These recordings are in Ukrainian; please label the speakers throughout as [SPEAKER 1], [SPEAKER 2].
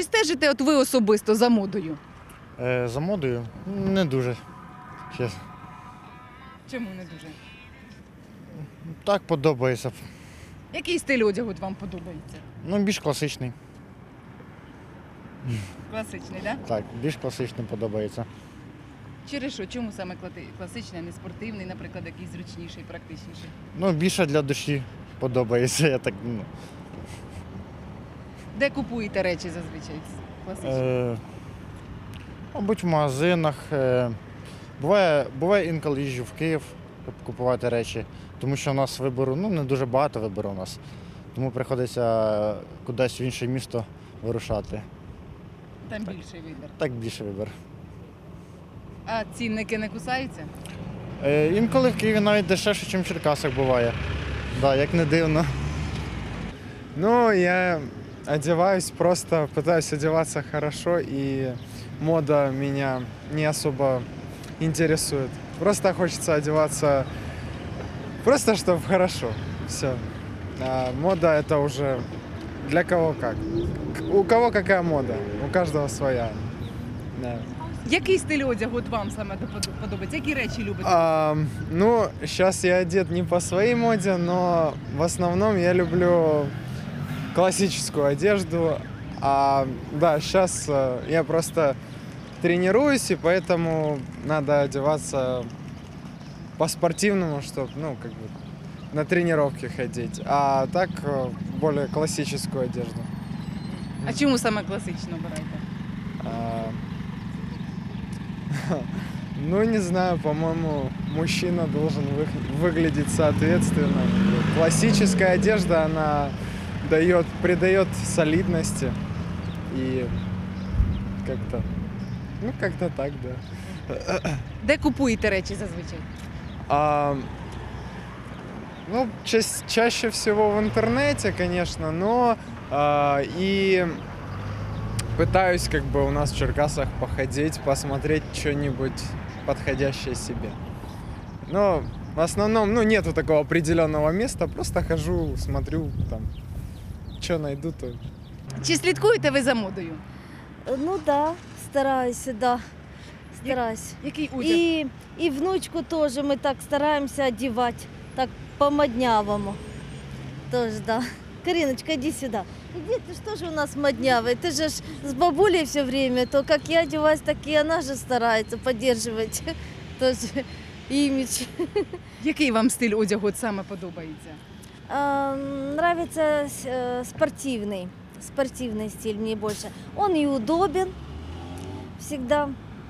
[SPEAKER 1] Чи стежите от ви особисто за модою?
[SPEAKER 2] За модою не дуже. Чесно.
[SPEAKER 1] Чому не дуже?
[SPEAKER 2] Так подобається.
[SPEAKER 1] Який стиль одягу от вам подобається?
[SPEAKER 2] Ну, більш класичний.
[SPEAKER 1] Класичний, так?
[SPEAKER 2] Так, більш класичний подобається.
[SPEAKER 1] Через що? Чому саме класичний, а не спортивний, наприклад, якийсь зручніший, практичніший?
[SPEAKER 2] Ну, більше для душі подобається. Я так, ну.
[SPEAKER 1] Де купуєте речі зазвичай класичні?
[SPEAKER 2] Мабуть, в магазинах. Буває інколи їжджу в Київ купувати речі, тому що у нас вибору, ну, не дуже багато вибору у нас. Тому приходиться кудись в інше місто вирушати.
[SPEAKER 1] Там більший вибір.
[SPEAKER 2] Так більше вибір.
[SPEAKER 1] А цінники не кусаються?
[SPEAKER 2] Інколи в Києві навіть дешевше, ніж в Черкасах буває. Да, як не дивно.
[SPEAKER 3] Ну, я одеваюсь, просто пытаюсь одеваться хорошо, и мода меня не особо интересует. Просто хочется одеваться, просто чтобы хорошо, все. А мода это уже для кого как. У кого какая мода, у каждого своя. Да.
[SPEAKER 1] Який стиль одягу от вам саме подобається? Які речі любите?
[SPEAKER 3] Ну, сейчас я одет не по своей моде, но в основном я люблю классическую одежду. Да, сейчас я просто тренируюсь, и поэтому надо одеваться по-спортивному, чтобы, ну, как бы на тренировки ходить. А так более классическую одежду.
[SPEAKER 1] А чому саме класично обираєте?
[SPEAKER 3] А, Ну, не знаю, по-моему, мужчина должен выглядеть соответственно. Классическая одежда, она придает солидности и как-то, ну, как-то так, да.
[SPEAKER 1] Де купуєте речі зазвичай?
[SPEAKER 3] Ну, чаще всего в интернете, конечно, но и пытаюсь как бы у нас в Черкасах походить, посмотреть что-нибудь подходящее себе. Но в основном, ну, нету такого определенного места, просто хожу, смотрю, там, что найду, то...
[SPEAKER 1] Чи слідкуєте ви за модою?
[SPEAKER 4] Ну да, стараюсь, да. Стараюсь.
[SPEAKER 1] Який одяг?
[SPEAKER 4] И внучку тоже мы так стараемся одевать, так по-моднявому. Тоже, да. Кариночка, иди сюда. Иди, ты что же у нас моднявый? Ты же ж с бабулей все время. То как я одеваюсь, так и она же старается поддерживать тоже имидж.
[SPEAKER 1] Який вам стиль одягу от саме подобається?
[SPEAKER 4] Нравится спортивный стиль мне больше. Он и удобен всегда.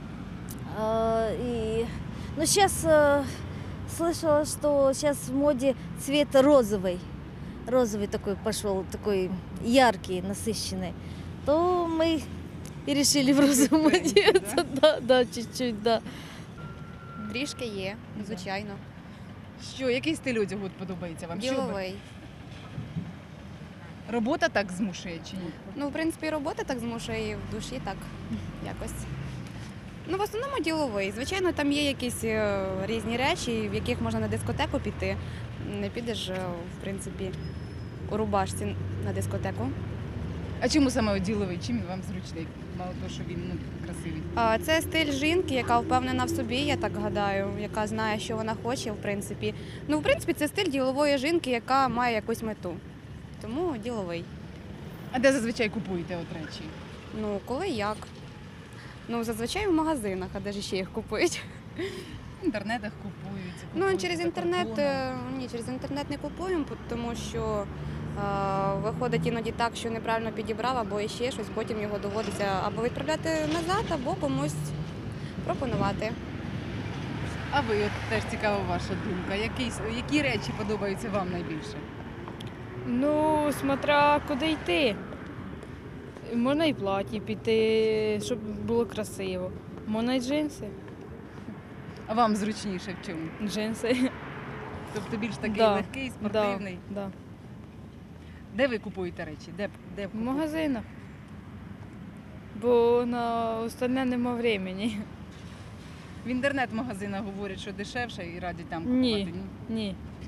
[SPEAKER 4] Но сейчас слышала, что сейчас в моде цвет розовый. Розовый такой пошел, такой яркий, насыщенный. То мы и решили в розовом одеться. Да, чуть-чуть, да.
[SPEAKER 5] Трішки є, звичайно.
[SPEAKER 1] Що, який стиль одягу от подобається вам? Що ви-
[SPEAKER 5] Діловий.
[SPEAKER 1] Робота так змушує чи ні?
[SPEAKER 5] Ну, в принципі, робота так змушує, і в душі так якось. Ну, в основному діловий. Звичайно, там є якісь різні речі, в яких можна на дискотеку піти. Не підеш, в принципі, у рубашці на дискотеку.
[SPEAKER 1] А чому саме діловий? Чим він вам зручний? Мало того, що він красивий.
[SPEAKER 5] Це стиль жінки, яка впевнена в собі, я так гадаю, яка знає, що вона хоче, в принципі. Ну, в принципі, це стиль ділової жінки, яка має якусь мету. Тому діловий.
[SPEAKER 1] А де зазвичай купуєте от речі?
[SPEAKER 5] Ну, коли як. Ну, зазвичай в магазинах, а де ж ще їх купують?
[SPEAKER 1] В інтернетах купують.
[SPEAKER 5] Ну, через інтернет, через інтернет не купуємо, тому що виходить іноді так, що неправильно підібрав, або ще щось, потім його доводиться або відправляти назад, або комусь пропонувати.
[SPEAKER 1] А ви, от теж цікава ваша думка. Які речі подобаються вам найбільше?
[SPEAKER 6] Ну, смотря куди йти. Можна і платі піти, щоб було красиво. Можна і джинси.
[SPEAKER 1] А вам зручніше в чому?
[SPEAKER 6] Джинси.
[SPEAKER 1] Тобто більш такий
[SPEAKER 6] Да,
[SPEAKER 1] легкий, спортивний?
[SPEAKER 6] Да.
[SPEAKER 1] Де ви купуєте речі? Де
[SPEAKER 6] В
[SPEAKER 1] купуєте?
[SPEAKER 6] магазинах. Бо на остальне нема времени.
[SPEAKER 1] В інтернет-магазинах говорять, що дешевше і радять там купувати?
[SPEAKER 6] Ні.